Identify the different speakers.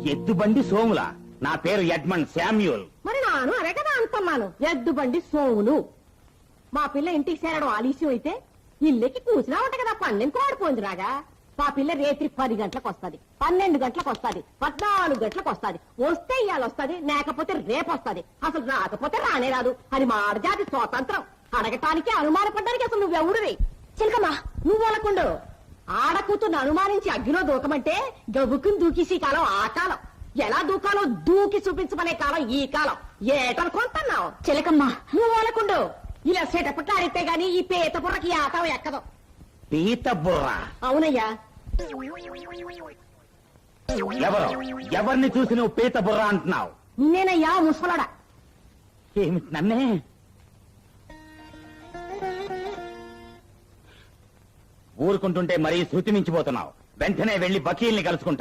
Speaker 1: ఎద్దుబండి సోముల నా పేరు Edmund Samuel.
Speaker 2: మరి నాను అదే కదా అంటున్నాను, ఎద్దు బండి సోములు. మా పిల్ల ఇంటికి చేరడం ఆలస్యం అయితే ఇల్లెక్కి కూసినా ఉంట కదా, 12 ఆడిపోయింది రాగా. మా పిల్ల రేత్రి 10 గంటలకు వస్తుంది, 12 గంటలకు వస్తుంది, 14 గంటలకు వస్తుంది. వస్తే ఇవాళ వస్తుంది, లేకపోతే రేపు వస్తుంది. అసలు రాకపోతే రానే రాదు. అది మాడజాతి స్వాతంత్రం. అడగటానికి అనుమానపడ్డానికి అసలు నువ్వెవడివి? చిలకమ్మా నువ్వు అనకుండు. ఆడకూతుర్ని అనుమానించి అగ్గిలో దూకమంటే గబుక్కుని దూకేసి కాలం ఆ కాలం. ఎలా దూకాలో దూకి చూపించమనే కాలం ఈ కాలం. ఏటనుకుంటున్నావు?
Speaker 3: చిలకమ్మ
Speaker 2: నువ్వు అనకుండు. ఇలా సెటపట్లు ఆడితే గాని ఈ పీత బుర్రకి ఆటం ఎక్కదు.
Speaker 1: పీత బుర్ర?
Speaker 2: అవునయ్యా.
Speaker 1: ఎవరిని చూసి నువ్వు పీత బుర్ర అంటున్నావు?
Speaker 2: నిన్నేనయ్యా ముసలాడా.
Speaker 1: ఏమిటి నన్నే? ఊరుకుంటుంటే మరీ శృతి మించిపోతున్నావు. వెంటనే వెళ్లి వకీల్ని కలుసుకుంటా.